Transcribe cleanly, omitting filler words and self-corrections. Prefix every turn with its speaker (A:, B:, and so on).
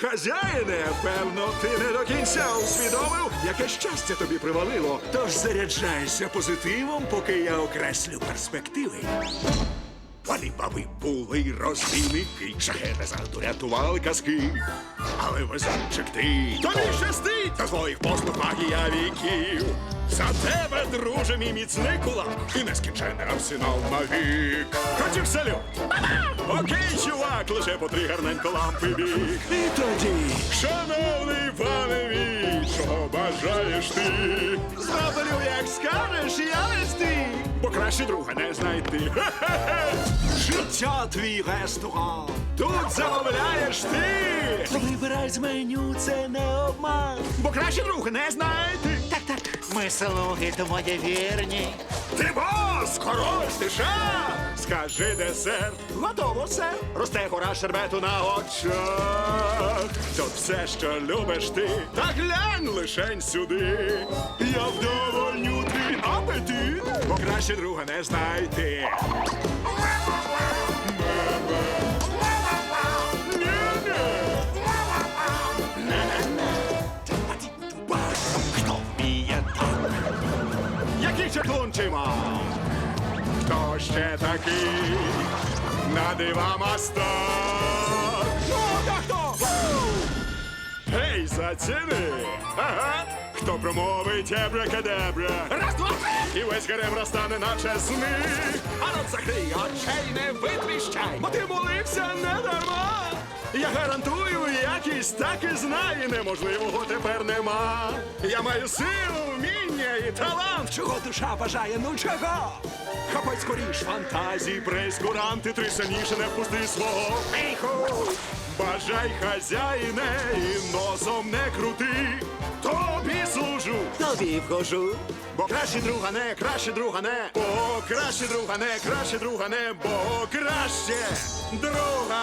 A: Хазяїне, певно, ти не до кінця усвідомив, яке щастя тобі привалило. Тож заряджайся позитивом, поки я окреслю перспективи. Вони баби були розбійники, шахеди завжди рятували казки. Але везунчик ти, тобі щастить, за твоїх послуг магія віків. За тебе, друже, мій міцний кулак і нескінчений арсенал навік. Хотів салют. Окей, чувак, лише по 3 гарненько лампи біг. І тоді, шановний пане мій, чого бажаєш ти? Зроблю, як скажеш, я вести, бо краще друга не знайти. Життя твій ресторан, тут замовляєш ти. Вибирай з меню, це не обман, бо краще друга не знайти.
B: Так, ми слуги твої вірні.
A: Ти бос, король, ти ша. Скажи десерт. Готово, сер. Росте гора шербету на очах. Тут все, що любиш ти. Та глянь лишень сюди. Я вдовольню твій апетит, бо краще друга не знайти. Хто вміє так? Який чаклунчий мав? Хто ще такий на дива мастак? Ну, та хто? Гей, заціни! Ага! Хто промовить ебракадебра? Раз, два, три! І весь гарем розтане, наче сни. А ну закрий очей, не витріщай, бо ти молився не дарма. Я гарантую, якість так і знає, неможливого тепер нема. Я маю силу, вміння і талант, чого душа бажає, ну чого? Хапай скоріш фантазії, прейскуранти, трясяніше не впусти свого піху. Бажай, хазяїне, і носом не крути, тобі служу,
B: Тобі вхожу.
A: бо краще друга не, краще друга не, бо краще друга не, краще друга не, бо краще друга